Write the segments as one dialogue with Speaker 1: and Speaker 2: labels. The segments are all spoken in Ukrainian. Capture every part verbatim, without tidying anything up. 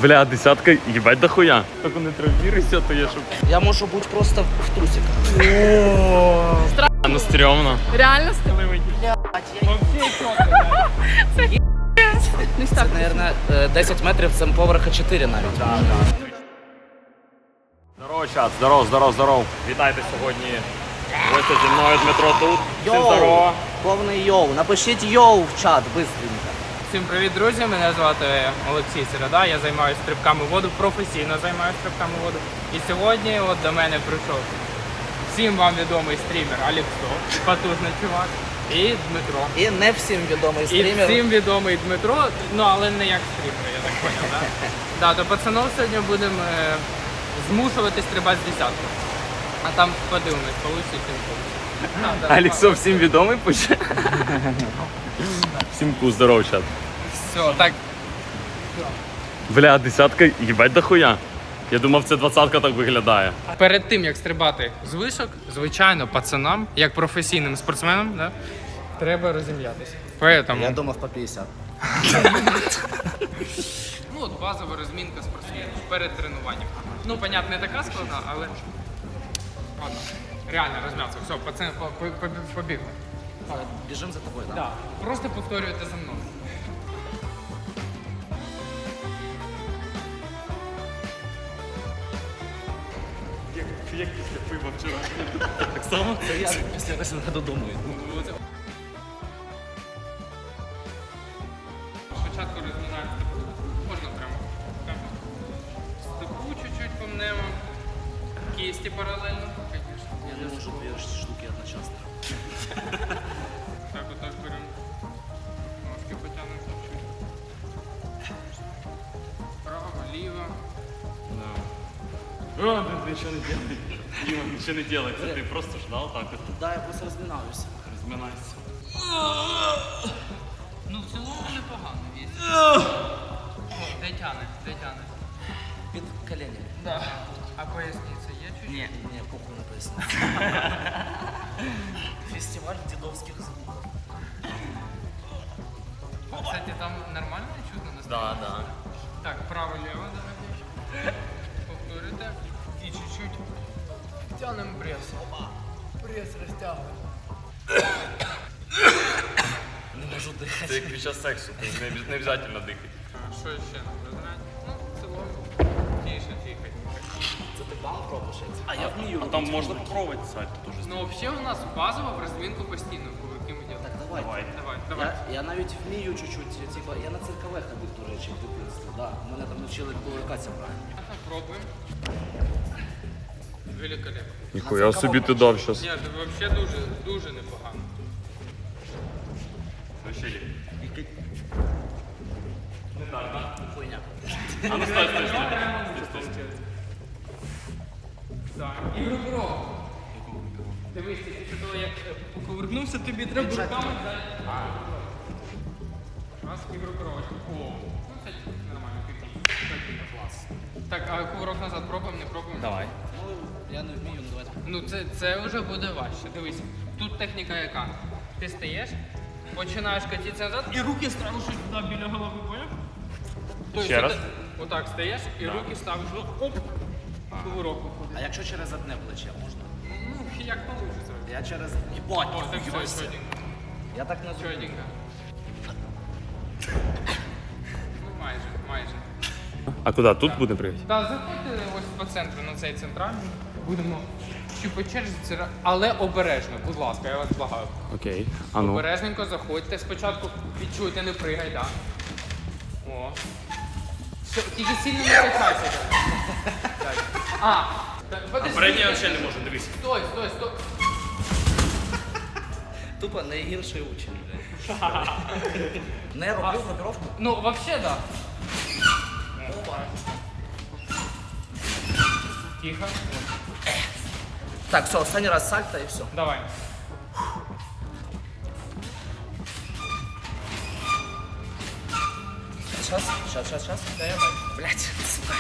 Speaker 1: Бля, десятка, їбать дохуя. Так не травмируйся, то я щоб...
Speaker 2: Я можу бути просто в трусиках.
Speaker 1: А, ну стрьомно.
Speaker 3: Реально стрьомно?
Speaker 2: Це, мабуть, десять метрів, це поверха чотири навіть.
Speaker 1: Здорово, чат, здоров, здоров, здоров. Вітайте сьогодні. Гостя зі мною, Дмитро тут. Всім здорово.
Speaker 2: Повний йоу. Напишіть йоу в чат, быстренько.
Speaker 4: Всім привіт, друзі! Мене звати Олексій Середа, я займаюся стрибками в воду, професійно займаюся стрибками в воду. І сьогодні от до мене прийшов всім вам відомий стрімер Алексо, потужний чувак, і Дмитро.
Speaker 2: І не всім відомий
Speaker 4: І
Speaker 2: стрімер.
Speaker 4: всім відомий Дмитро, ну але не як стрімер, я так зрозумів, так? Да, то пацанов сьогодні будемо е, змушувати стрибати з десятки. А там подивимось, получить чи не получить.
Speaker 1: Алексо всім відомий пише. Всім ку, здоров, чат.
Speaker 4: Все, так.
Speaker 1: Бля, десятка, їбать дохуя. Я думав, це двадцятка так виглядає.
Speaker 4: Перед тим, як стрибати з вишок, звичайно, пацанам, як професійним спортсменам, да, треба розім'ятися. Поэтому,
Speaker 2: Я думав по п'ятдесят.
Speaker 4: ну от базова розмінка спортсменів перед тренуванням. Ну, понятно, не така складна, але ладно, реально розм'ятися. Все, пацани, по- по- по- побігли.
Speaker 2: Біжим за тобою, так?
Speaker 4: Да. Просто повторюйте за мною.
Speaker 1: Як після пива вчора. Так само?
Speaker 2: Це я після весни додому йду.
Speaker 4: Спочатку розминаємо стопу. Можна прямо. Так. Стопу чуть-чуть помнемо. Кісті паралельно. Звісно.
Speaker 2: Я не можу дві штуки одночасно.
Speaker 4: Так, отак беремо. Ножки потягнемо чуть-чуть. Право, ліво.
Speaker 1: О, ты ничего не делай. Дима, ничего не делай. Ты просто ждал так вот.
Speaker 2: Да, я просто розминаюся.
Speaker 1: Разминайся.
Speaker 4: Ну, в цілому непогано вісім. Де тяне, де тяне.
Speaker 2: Під коленями.
Speaker 4: Да. А поясниця є чуть-чуть?
Speaker 2: Ні, ні, похуй на поясні. Фестиваль дідовських звуків.
Speaker 4: Кстати, там нормально чутно на
Speaker 1: Да, да.
Speaker 4: Так, право-лево, давайте. Повторюйте. І чуть-чуть тянемо прес. Прес розтягуємо.
Speaker 2: Не можу дихати.
Speaker 1: Це як під час сексу, то не, не обов'язково дихати.
Speaker 4: А що ще нам розрать? Ну, в цілому. Тише, тихо.
Speaker 2: Це ти бал пробуєш? А я вмію.
Speaker 1: А там можна попробувати сальто теж.
Speaker 4: Ну, взагалі у нас базово в розмінку постійно, кулаки ми
Speaker 2: Так,
Speaker 4: робимо.
Speaker 2: давай.
Speaker 1: Давай.
Speaker 4: Давай, давай.
Speaker 2: Я, я навіть вмію чуть-чуть, типа, я на циркове ходив, до речі, в дитинстві. Да. Мене там навчили кулакатися правильно.
Speaker 4: Ага, пробуємо. Великолепно.
Speaker 1: Ніхуя собі ти дав щас.
Speaker 4: Ні, це взагалі дуже, дуже непогано.
Speaker 1: Вообще.
Speaker 2: Хуйня.
Speaker 1: А ну стой, стой, стой.
Speaker 4: Так, і рукро. Дивись, ти після того, як е, повернувся, тобі треба руками. Раз і рукро. О, ну це нормально, півні. Клас. Так, а кувырок назад пробуємо, не пробуємо?
Speaker 1: Давай.
Speaker 2: Ну, я не вмію, ну давайте.
Speaker 4: Ну це, це вже буде важче. Дивись, тут техніка яка? Ти стаєш, починаєш катитися назад і руки ставиш ось туди біля голови, поняв? Тобто
Speaker 1: Ще раз?
Speaker 4: ти Отак стаєш і руки ставиш, оп, кувырок виходить.
Speaker 2: А якщо через одне плече можна?
Speaker 4: Ну, як вийде.
Speaker 2: Я через... Єбать,
Speaker 4: О, так
Speaker 2: ніхуя
Speaker 4: все,
Speaker 2: себе.
Speaker 4: чотенько.
Speaker 2: Я так не зроблю.
Speaker 4: Чотенько. Ну майже, майже.
Speaker 1: А куди? Тут буде приїхати?
Speaker 4: Так, заходьте ось по центру на цей центральний. Будемо чи по черзі, це ра- але обережно, будь ласка, я вас благаю.
Speaker 1: Окей. А ну.
Speaker 4: Обережненько заходьте. Спочатку відчуйте, не пригай, так. О. Все, тільки сильно не качайся. Так. А, так, подожди.
Speaker 1: взагалі не можу, дивись.
Speaker 4: Стой, стой, стой.
Speaker 2: Тупо найгірший учень, блядь. Не роблю групіровку.
Speaker 4: Ну, вообще, да. Тихо.
Speaker 2: Так, все, останній раз сальто і все.
Speaker 4: Давай.
Speaker 2: Сейчас, сейчас, сейчас, сейчас.
Speaker 4: Да, я бачу.
Speaker 2: Блять, сука.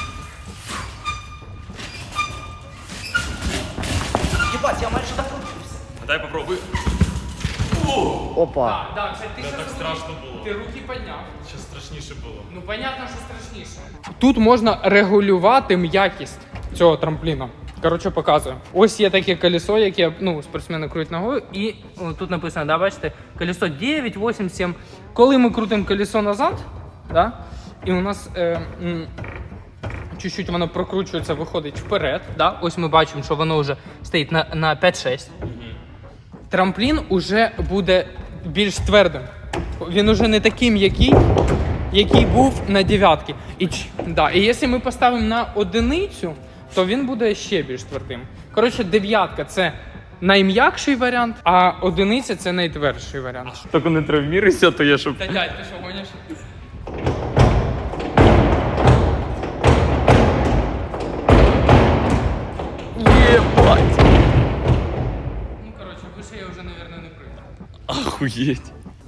Speaker 2: Ебать, я майже докрутився.
Speaker 1: Дай попробуй.
Speaker 2: Опа.
Speaker 4: Так, так, це ти
Speaker 1: Це
Speaker 4: щас
Speaker 1: так
Speaker 4: руки-
Speaker 1: страшно було.
Speaker 4: Ти руки підняв.
Speaker 1: Ще страшніше було.
Speaker 4: Ну, понятно, що страшніше. Тут можна регулювати м'якість цього трампліна. Коротше, показую. Ось є таке колесо, яке ну, спортсмени крутять ногою. І о, тут написано, да, бачите, колесо дев'ять, вісім, сім. Коли ми крутимо колесо назад, да, і у нас е, м, чуть-чуть воно прокручується, виходить вперед. Да, ось ми бачимо, що воно вже стоїть на, на п'ять-шість. Трамплін уже буде більш твердим. Він уже не такий м'який, який був на дев'ятки. І, ч- да, і якщо ми поставимо на одиницю, то він буде ще більш твердим. Коротше, дев'ятка це найм'якший варіант, а одиниця це найтвердший варіант.
Speaker 1: Тільки не травміруйся, то я щоб...
Speaker 4: Та дядь, ти що гониш?
Speaker 1: Єбать!
Speaker 4: Ну, коротше, вище я вже, мабуть, не прийду.
Speaker 1: Охуєть.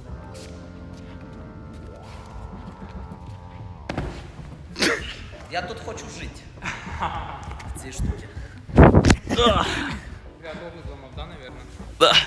Speaker 2: Я тут хочу жити. В цій штуці.
Speaker 4: Я ногу зламав, да, мабуть?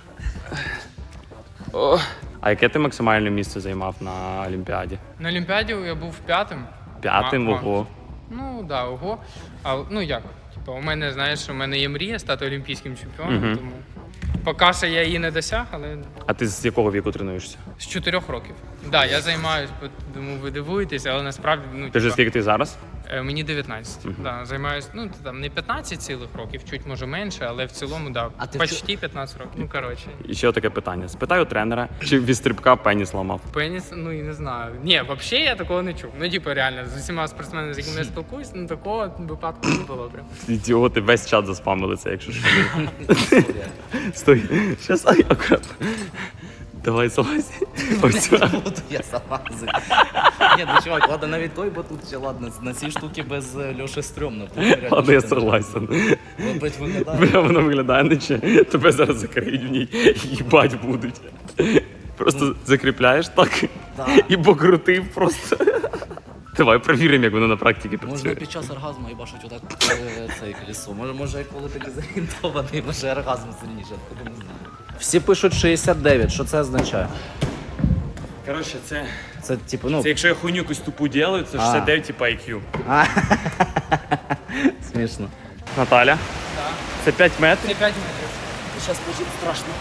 Speaker 1: А яке ти максимальне місце займав на Олімпіаді?
Speaker 4: На Олімпіаді я був п'ятим.
Speaker 1: П'ятим,
Speaker 4: А, а.
Speaker 1: ого.
Speaker 4: Ну, да, ого. А, ну як? Типу, у мене, знаєш, у мене є мрія стати олімпійським чемпіоном,
Speaker 1: Мгм.
Speaker 4: тому поки що я її не досяг, але
Speaker 1: А ти з якого віку тренуєшся?
Speaker 4: з чотирьох років. Так, да, я займаюся, думаю, ви дивуєтеся, але насправді, ну,
Speaker 1: Ти ж
Speaker 4: типа,
Speaker 1: скільки ти зараз?
Speaker 4: е, мені дев'ятнадцять. Да, займаюся, ну, там не п'ятнадцять цілих років, чуть може менше, але в цілому, да,
Speaker 2: А ти в
Speaker 4: почти п'ятнадцять років. Ну, коротше.
Speaker 1: І ще таке питання. Спитаю тренера, чи від стрибка пеніс ламав.
Speaker 4: Пеніс, ну і не знаю. Ні, взагалі я такого не чув. Ну, типу, реально, з усіма спортсменами, з якими я спілкуюсь, ну такого випадку не було прям.
Speaker 1: Ідіоти, весь чат заспамили це, якщо що. Стой, щас, ай, акуратно. Давай залазь. Ось.
Speaker 2: Буду я залазити. Ні, ну чувак, ладно, навіть той батут ще ладно. На цій штуці без е, Льоші стрьомно. Тут реально
Speaker 1: Ладно, я
Speaker 2: що не
Speaker 1: согласен.
Speaker 2: робить виглядає.
Speaker 1: Бля, воно виглядає, наче тебе зараз закриють в ній, їбать будуть. Просто закріпляєш так
Speaker 2: Да.
Speaker 1: і покрутив просто. Давай перевіримо, як воно на практиці
Speaker 2: Можна
Speaker 1: працює.
Speaker 2: під час оргазму і бачить отак е, цей колесо. Може, може, коли ти дезорієнтований, може оргазм сильніше, откуда не знаю. Всі пишуть шістдесят дев'ять, що це означає?
Speaker 1: Коротше, це,
Speaker 2: Це типу, ну.
Speaker 1: це якщо я хуйню якусь тупу ділаю, це шістдесят дев'ять типа ай к'ю.
Speaker 2: А. Смішно.
Speaker 1: Наталя,
Speaker 4: Так.
Speaker 1: це п'ять метрів.
Speaker 4: Це п'ять метрів.
Speaker 2: Сейчас будет страшно.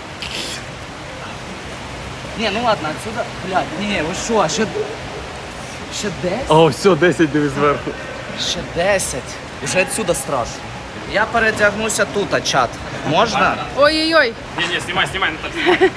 Speaker 2: Не, ну ладно, отсюда, блядь, не, ви що, а ще, ще десять?
Speaker 1: О, все, десять дивись зверху.
Speaker 2: Ще десять. Уже отсюда страшно. Я передягнуся тут, а чат. Можна?
Speaker 3: Ой-ой-ой,
Speaker 1: Ні-ні, знімай, знімай, Наталя.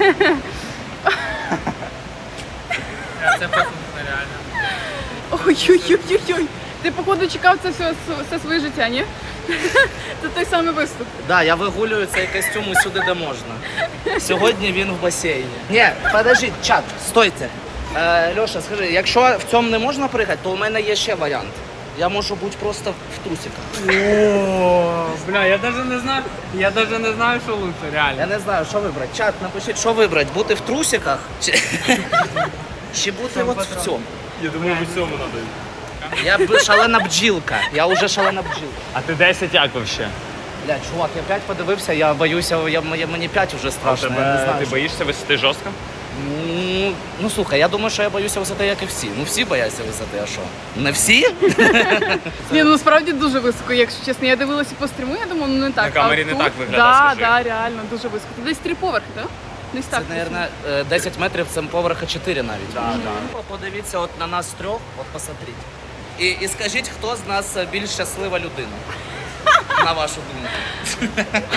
Speaker 4: Це потужно, реально.
Speaker 3: ой-ой-ой-ой. Ти, походу, чекав це все, все своє життя, ні? Це той самий виступ.
Speaker 2: Да, я вигулюю цей костюм усюди, де можна. Сьогодні він в басейні. Ні, подождіть, чат, стойте. Е, Льоша, скажи, якщо в цьому не можна пригати, то у мене є ще варіант. Я можу бути просто в трусиках.
Speaker 4: О, бля, я навіть не знаю, я навіть не знаю, що лучше, реально.
Speaker 2: Я не знаю, що вибрати. Чат, напишіть, що вибрати, бути в трусиках чи, чи бути от в цьому.
Speaker 1: Я думаю, в цьому треба.
Speaker 2: Я б шалена бджілка. Я вже шалена бджілка.
Speaker 1: А ти десять як вообще?
Speaker 2: Бля, чувак, я п'ять подивився, я боюся, я, я, мені п'ять вже страшно. Я не знаю,
Speaker 1: ти
Speaker 2: що-
Speaker 1: боїшся висоти жорстко?
Speaker 2: Ну, ну слухай, я думаю, що я боюся висоти, як і всі. Ну всі бояться висоти, а що? Не всі?
Speaker 3: Ні, ну насправді дуже високо, якщо чесно. Я дивилася по стріму, я думаю, ну не так.
Speaker 1: На камері
Speaker 3: А
Speaker 1: не
Speaker 3: тут-
Speaker 1: так виглядає,
Speaker 3: Да,
Speaker 1: скажи.
Speaker 3: да, реально, дуже високо. Це десь три поверхи, так? Десь
Speaker 2: Це,
Speaker 3: так.
Speaker 2: мабуть, десять метрів, це поверха чотири навіть. Да, да. Подивіться от на нас трьох, от посмотрите. І, і скажіть, хто з нас більш щаслива людина? На вашу думку.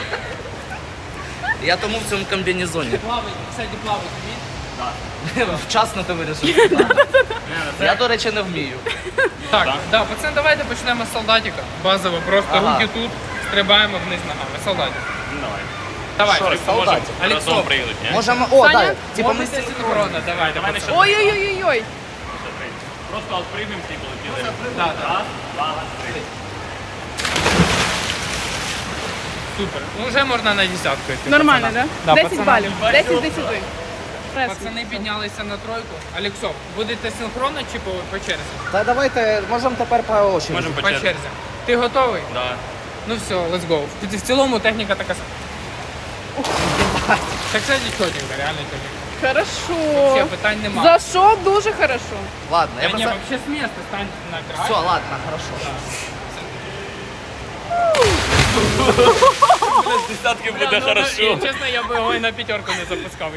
Speaker 2: Я тому в цьому комбінезоні.
Speaker 4: Плавай, кстати, плавати вмієш?
Speaker 2: Вчасно ти вирішив. Я, до речі, не вмію.
Speaker 4: Так, да, пацани, давайте почнемо з солдатика. Базово, просто
Speaker 2: Ага.
Speaker 4: руки тут, стрибаємо вниз ногами. Солдатик.
Speaker 1: Ну, давай.
Speaker 4: Давай,
Speaker 2: Що,
Speaker 4: Алексо,
Speaker 2: солдатик?
Speaker 4: Алексо,
Speaker 1: Разом приїдуть, ні?
Speaker 2: Можемо. О,
Speaker 3: Саня,
Speaker 2: так. Типа ми
Speaker 4: можете
Speaker 2: синхронно.
Speaker 4: синхронно, давай,
Speaker 1: Давай
Speaker 4: давай.
Speaker 1: не
Speaker 3: Ой-ой-ой-ой.
Speaker 1: Просто відпригнемо всі полетіли.
Speaker 4: Да, да.
Speaker 1: Раз, два, три.
Speaker 4: Супер. Ну, вже можна на десятку йти.
Speaker 3: Нормально,
Speaker 4: пацанам.
Speaker 3: так?
Speaker 4: Да,
Speaker 3: десять
Speaker 4: пацанам.
Speaker 3: балів. десять з десяти.
Speaker 4: Пацани піднялися на тройку. Алексо, будете синхронно чи по, по черзі?
Speaker 2: Та давайте, можемо тепер по очі.
Speaker 1: Можемо
Speaker 4: По
Speaker 1: почати.
Speaker 4: черзі. Ти готовий?
Speaker 1: Да.
Speaker 4: Ну все, let's go. В цілому техніка така сама. Так, кстати, чотенько, реально чотенько.
Speaker 3: Хорошо.
Speaker 4: Все, питань немає.
Speaker 3: Зашов дуже хорошо.
Speaker 2: Ладно, я
Speaker 4: Та ні,
Speaker 2: просто...
Speaker 4: вообще з міста стань на край.
Speaker 2: Все, ладно, хорошо.
Speaker 1: З десятки буде
Speaker 4: Ну,
Speaker 1: хорошо.
Speaker 4: і, чесно, я би його і на п'ятерку не запускав.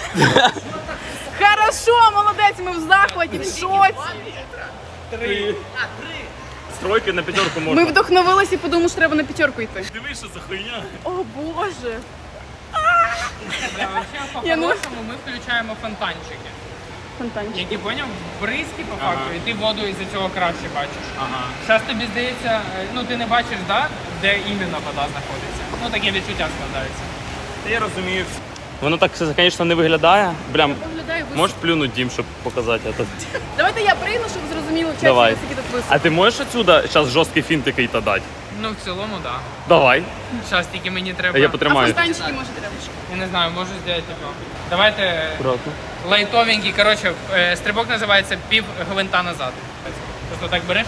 Speaker 3: Хорошо, молодець, ми в захваті, в шоці.
Speaker 4: Три.
Speaker 1: Стройки на п'ятерку
Speaker 3: Ми
Speaker 1: можна.
Speaker 3: вдохновились і подумали, що треба на п'ятерку йти.
Speaker 1: Дивись, що за хуйня.
Speaker 3: О боже.
Speaker 4: Да, вообще,
Speaker 3: Я, ну-
Speaker 4: по-хорошому ми включаємо фонтанчики.
Speaker 3: Фонтанчик.
Speaker 4: Які, поняв, бризки по факту,
Speaker 1: Ага.
Speaker 4: і ти воду із-за цього краще бачиш.
Speaker 1: Ага.
Speaker 4: Зараз тобі здається, е, ну ти не бачиш, да, де іменно вода знаходиться. Ну таке відчуття складається.
Speaker 1: Я розумію. Воно так, звісно, не виглядає. Блям,
Speaker 3: Виглядає високо.
Speaker 1: можеш плюнути, Дім, щоб показати це?
Speaker 3: Давайте я прийду, щоб зрозуміло, в
Speaker 1: Давай.
Speaker 3: часі, скільки тут високо.
Speaker 1: А ти можеш отсюда зараз жорсткий фінт який-то дати?
Speaker 4: Ну в цілому, так. Да.
Speaker 1: Давай.
Speaker 4: Зараз тільки мені треба.
Speaker 1: Я
Speaker 3: А
Speaker 1: потримаю.
Speaker 3: фонтанчики може треба.
Speaker 4: Я не знаю, можу зробити типу. Давайте
Speaker 1: Аккуратно.
Speaker 4: лайтовенький, коротше, е, стрибок називається пів гвинта назад. Просто так береш.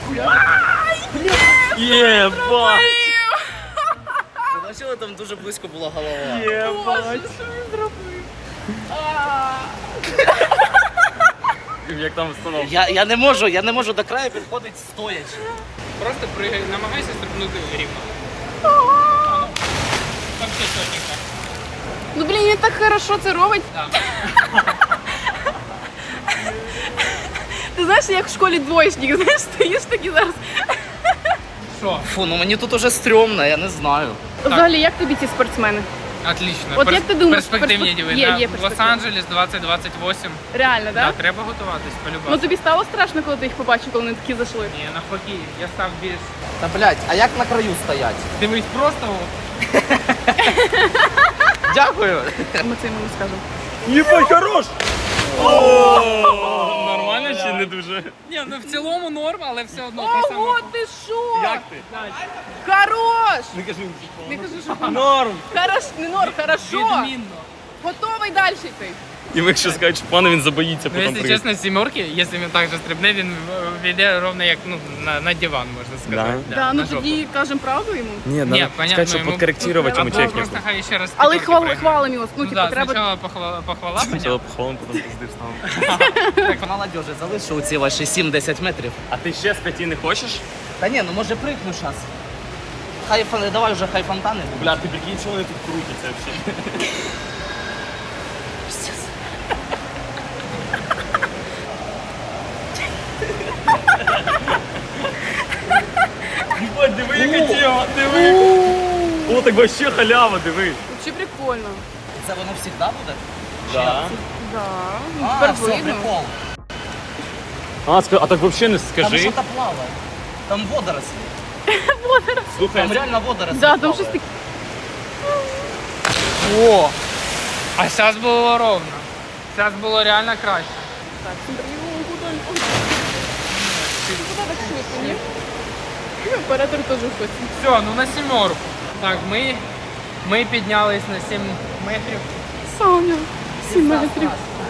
Speaker 1: Єбать!
Speaker 2: Ви бачили, там дуже близько була голова.
Speaker 3: Боже, що він зробив?
Speaker 1: Як там встановка?
Speaker 2: Я, я не можу, я не можу до краю підходити стоячи.
Speaker 4: Просто пригай, намагайся стрибнути рівно. Там все чотенько.
Speaker 3: Ну блін, він так хорошо це робить.
Speaker 4: Да.
Speaker 3: Ти знаєш, як в школі двоєчник, знаєш, стоїш такий зараз.
Speaker 4: Що?
Speaker 2: Фу, ну мені тут уже стрьомно, я не знаю.
Speaker 3: Взагалі, як тобі ці спортсмени?
Speaker 4: Отлично.
Speaker 3: От як ти думаєш,
Speaker 4: перспективні
Speaker 3: перспек-
Speaker 4: діви.
Speaker 3: Є,
Speaker 4: да?
Speaker 3: є перспективні.
Speaker 4: Лос-Анджелес двадцять двадцять вісім.
Speaker 3: Реально,
Speaker 4: Да,
Speaker 3: так?
Speaker 4: треба готуватись, по-любому.
Speaker 3: Ну тобі стало страшно, коли ти їх побачив, коли вони такі зайшли?
Speaker 4: Ні, навпаки, я став більш.
Speaker 2: Та блядь, а як на краю стоять?
Speaker 4: Дивись, просто от.
Speaker 2: Дякую.
Speaker 3: Ми це йому не скажемо.
Speaker 1: Єбать, хорош! Нормально чи не дуже?
Speaker 4: Ні, ну в цілому норм, але все одно те саме.
Speaker 3: Ого, ти що?
Speaker 1: Як ти?
Speaker 3: Хорош!
Speaker 1: Не кажи.
Speaker 3: Не кажу, що
Speaker 1: Норм!
Speaker 3: хорош, не норм, хорошо.
Speaker 4: Відмінно.
Speaker 3: Готовий далі йти.
Speaker 1: І якщо скажуть, що пане, він забоїться
Speaker 4: Ну,
Speaker 1: потім
Speaker 4: якщо
Speaker 1: прийти.
Speaker 4: чесно, з сімерки, якщо він так же стрибне, він війде ровно як ну, на, на диван, можна сказати.
Speaker 1: Да?
Speaker 3: Да, ну
Speaker 4: на жопу.
Speaker 3: тоді кажемо правду йому.
Speaker 1: Ні,
Speaker 4: Ні,
Speaker 1: надо
Speaker 4: понятно,
Speaker 1: сказати, щоб
Speaker 4: йому-
Speaker 1: підкоректувати йому
Speaker 4: Або
Speaker 1: техніку.
Speaker 4: просто хай ще раз
Speaker 3: Але
Speaker 4: п'ятерки
Speaker 3: хвал,
Speaker 4: прийме.
Speaker 3: хвалимо його. Ну,
Speaker 4: Ну,
Speaker 3: типу,
Speaker 4: да,
Speaker 3: треба.
Speaker 4: спочатку похвала, похвала
Speaker 1: Спочатку
Speaker 4: понятно.
Speaker 1: похвалим, потім пизди вставимо.
Speaker 2: Так, молодежі, залишу ці ваші сім-десять метрів.
Speaker 1: А ти ще з п'яти не хочеш?
Speaker 2: Та ні, ну може пригну зараз. Хай фон- давай вже хай фонтани будуть.
Speaker 1: Бля, ти прикинь, що вони тут крутяться взагалі. Ебать, диви, яка тема, диви. О, так вообще халява, диви.
Speaker 3: Чи прикольно.
Speaker 2: Це воно завжди буде?
Speaker 1: Да.
Speaker 3: Да. Ну,
Speaker 2: А,
Speaker 3: тепер
Speaker 2: все,
Speaker 3: видно.
Speaker 2: прикол.
Speaker 1: А, ска- а так вообще не
Speaker 2: Там
Speaker 1: скажи.
Speaker 2: що-то плаває. Там водорослі.
Speaker 1: Слухай,
Speaker 2: Там реально водорослі
Speaker 3: Да, там
Speaker 2: плавають.
Speaker 3: щось таке.
Speaker 2: О,
Speaker 4: А зараз було ровно. Зараз було реально краще.
Speaker 3: Так, смотри, о, куди він? Ой. Куди так швидко, ні? Ну, Оператор теж в ході.
Speaker 4: Все, ну на сімерку. Так, ми, ми піднялись на сім метрів.
Speaker 3: Саня, сім метрів.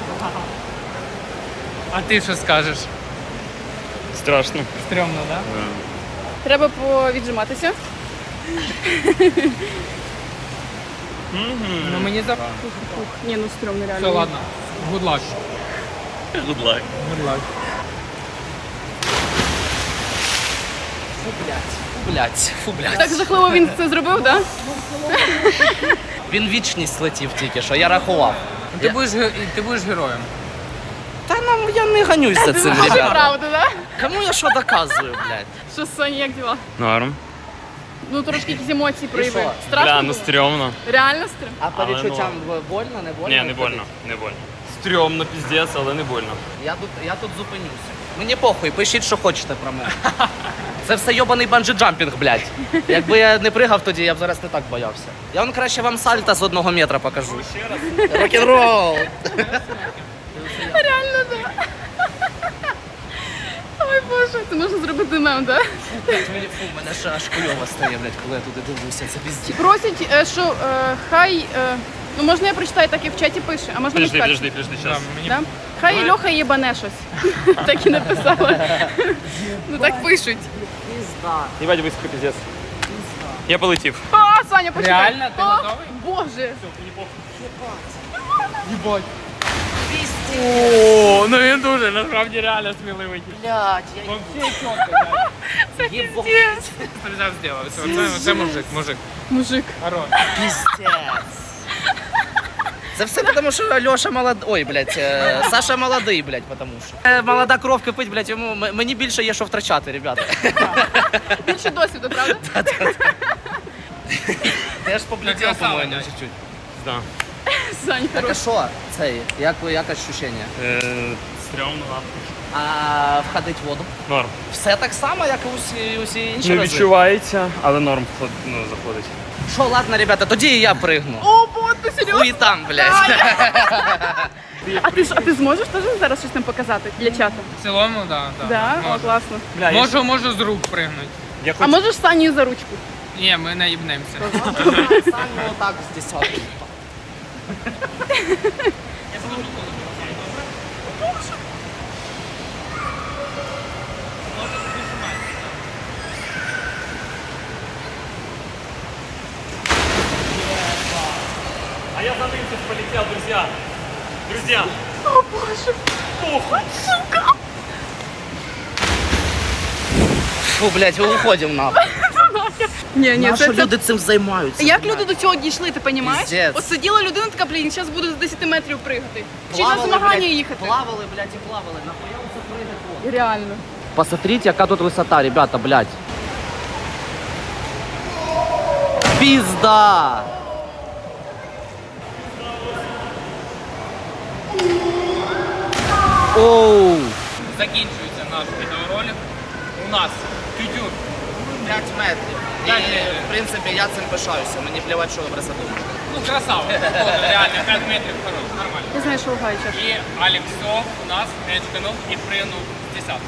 Speaker 4: А ти що скажеш?
Speaker 1: страшно.
Speaker 4: Стрьомно, так? Да?
Speaker 3: Треба повіджиматися.
Speaker 4: Ну мені за...
Speaker 3: Ух, ні, ну стрьомно реально.
Speaker 4: Все, ладно. Good luck.
Speaker 1: Good luck.
Speaker 4: Good luck.
Speaker 2: фу, блядь, фу, блядь, фу, блядь.
Speaker 3: Так жахливо він це зробив, так?
Speaker 2: Він вічність летів тільки що, я рахував.
Speaker 4: Ти
Speaker 2: Я-
Speaker 4: будеш, ге- ти будеш героєм.
Speaker 2: Та нам я не ганюсь за
Speaker 3: Ти
Speaker 2: цим,
Speaker 3: знаєш
Speaker 2: ребята.
Speaker 3: правду, так?
Speaker 2: Кому я що доказую, блядь?
Speaker 3: Що, Соня, як діла?
Speaker 1: Норм.
Speaker 3: Ну трошки якісь емоції проявив.
Speaker 2: що?
Speaker 3: Страшно
Speaker 1: Бля, ну
Speaker 3: було?
Speaker 1: стрьомно.
Speaker 3: Реально стрьомно?
Speaker 2: А по
Speaker 1: Але
Speaker 2: відчуттям больно, не больно?
Speaker 1: Ні, не больно, не больно. Стрьомно, піздець, але не больно.
Speaker 2: Я тут, я тут зупинюся. Мені похуй, пишіть, що хочете про мене. Це все йобаний банджі-джампінг, блядь. Якби я не пригав тоді, я б зараз не так боявся. Я вам краще вам сальто з одного метра покажу. Рок-н-рол!
Speaker 3: Реально, так. Ой, Боже, це можна зробити мем, так?
Speaker 2: Мені фу, мене ще аж хуйово стає, блядь, коли я туди дивлюся, це пізді.
Speaker 3: Просять, е, що е, хай. е, Ну можна я прочитаю, так і в чаті пише, а можна
Speaker 1: Подожди,
Speaker 3: не
Speaker 1: подожди, подожди,
Speaker 4: Да,
Speaker 1: сейчас.
Speaker 4: мені...
Speaker 3: Да? Хай Льоха їбане щось. Так і написала. Ну так пишуть.
Speaker 2: Пізда,
Speaker 1: Ебать, високо, піздець. Я полетів.
Speaker 3: А, Саня, почекай.
Speaker 4: Реально? Ти
Speaker 3: О,
Speaker 4: готовий?
Speaker 3: Боже.
Speaker 4: Їбать. О, ну він дуже, насправді реально сміливий.
Speaker 2: Блядь, я
Speaker 4: Вообще чітко, блядь.
Speaker 2: їбав.
Speaker 4: Ти взяв зробив. Це, це, це мужик, мужик.
Speaker 3: Мужик.
Speaker 4: Хорош.
Speaker 2: Піздець. Це все тому, що Льоша молодий. Ой, блядь, е, Саша молодий, блядь, потому що. Е, Молода кров кипить, блядь, йому м- мені більше є що втрачати, ребята.
Speaker 3: Більше досвіду, правда?
Speaker 2: Теж поблідів,
Speaker 4: красава,
Speaker 2: по-моєму,
Speaker 4: дядь.
Speaker 2: чуть-чуть.
Speaker 1: Да.
Speaker 3: Сань,
Speaker 2: Так а
Speaker 3: хорош.
Speaker 2: що цей? Як, як ощущення?
Speaker 1: Е, стрьомно, ладно.
Speaker 2: А входить в воду?
Speaker 1: Норм.
Speaker 2: Все так само, як і усі, усі інші
Speaker 1: Не
Speaker 2: рази?
Speaker 1: відчувається, але норм вход- ну, заходить.
Speaker 2: Що, ладно, ребята, тоді і я пригну.
Speaker 3: О, бо ти серйозно?
Speaker 2: Хуй там, блядь.
Speaker 3: А ти, ж- а ти зможеш теж зараз щось нам показати для чату?
Speaker 4: В цілому, так. Да,
Speaker 3: Да? О,
Speaker 4: можу.
Speaker 3: класно.
Speaker 1: Бля, я,
Speaker 4: Можу, можу з рук пригнути.
Speaker 1: я
Speaker 3: А
Speaker 1: хоч...
Speaker 3: можеш Саню за ручку?
Speaker 4: Ні, ми наїбнемося.
Speaker 2: Сам ну так з десятки.
Speaker 1: А я за ним тут полетел, друзья. Друзья.
Speaker 2: Фу, блядь, ми уходимо нахуй.
Speaker 3: Ні, ні,
Speaker 2: Наші
Speaker 3: це, це...
Speaker 2: люди цим займаються.
Speaker 3: Як
Speaker 2: блядь.
Speaker 3: люди до цього дійшли, ти розумієш?
Speaker 2: Піздець.
Speaker 3: От сиділа людина така, блін, зараз буду з десяти метрів пригати. Чи на
Speaker 2: Плавали,
Speaker 3: змагання
Speaker 2: блядь,
Speaker 3: їхати.
Speaker 2: Плавали, блядь, і плавали. Нахуя це пригати?
Speaker 3: Реально.
Speaker 2: Посмотрите, яка тут висота, ребята, блядь. Пизда! Оу!
Speaker 4: Закінчується наш відеоролик. У нас тютюр.
Speaker 2: п'ять метрів. І,
Speaker 4: п'ять метрів.
Speaker 2: в принципі, я цим пишаюся. Мені плівати, що ви про це думаєте.
Speaker 4: Ну, красава. Походу, реально, п'ять метрів хорош, нормально.
Speaker 3: Я знаю, що лугає час.
Speaker 4: І Алексов у нас мечканув і пригнув з десятки.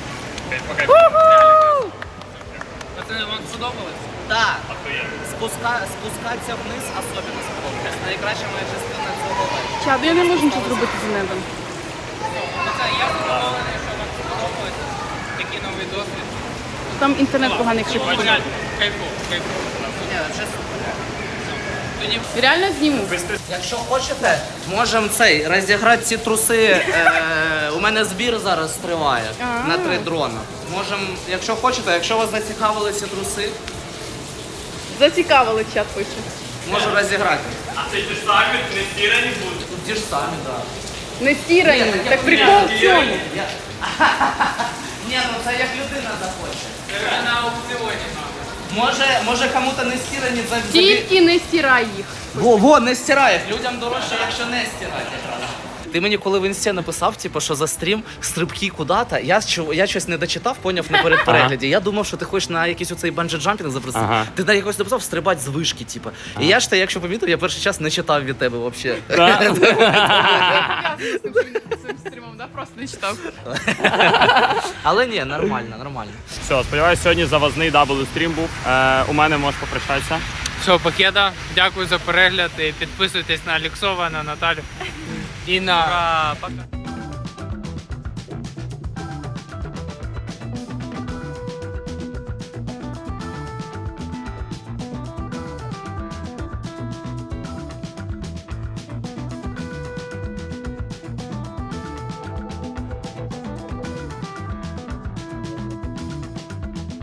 Speaker 4: Пацани, вам сподобалось?
Speaker 2: Так. Спуска... Спускатися вниз особливо сподобалось. Найкраща моя частина цього вечора.
Speaker 3: Чад, я не можу нічого зробити з небом.
Speaker 4: Пацани, я задоволений, що вам сподобалось. Такий новий досвід.
Speaker 3: Там інтернет поганий, якщо
Speaker 4: Бажаю.
Speaker 3: піде.
Speaker 4: Кайфу, кайфу.
Speaker 2: Ні, чесно.
Speaker 4: Тоді
Speaker 3: Реально зніму.
Speaker 2: Якщо хочете, можемо цей розіграти ці труси. Е, у мене збір зараз триває
Speaker 3: А.
Speaker 2: на три дрона. Можемо, якщо хочете, якщо вас зацікавили ці труси,
Speaker 3: Зацікавили чат пише.
Speaker 2: можу розіграти.
Speaker 1: А це ті ж самі, не стірані будуть.
Speaker 2: Тут ті ж самі, так.
Speaker 3: Не стирані.
Speaker 2: Ні,
Speaker 3: Так прикол в цьому.
Speaker 2: Я... Ні, ну це як людина захоче.
Speaker 4: це на аукціоні.
Speaker 2: Може, може кому-то не стирані за за-
Speaker 3: Тільки не стирай їх.
Speaker 2: Во, во, не стирай їх. Людям дорожче, якщо не стирати. Ти мені коли в інсті написав, типу, що за стрім стрибки куди-то, я, чу- я щось не дочитав, поняв на перед перегляді. Я думав, що ти хочеш на якийсь оцей банджі-джампінг запросити.
Speaker 1: Ага.
Speaker 2: Ти на якось написав стрибати з вишки, типу. І я ж те, якщо помітив, я перший час не читав від тебе взагалі.
Speaker 3: Я з цим цим стрімом, да? Просто не читав.
Speaker 2: Але ні, нормально, нормально.
Speaker 1: Все, сподіваюся, сьогодні завозний дабл стрім був. Е, у мене можеш попрощатися.
Speaker 4: Все, пакета. Дякую за перегляд. І підписуйтесь на Алексова, на Наталю і на. Пока.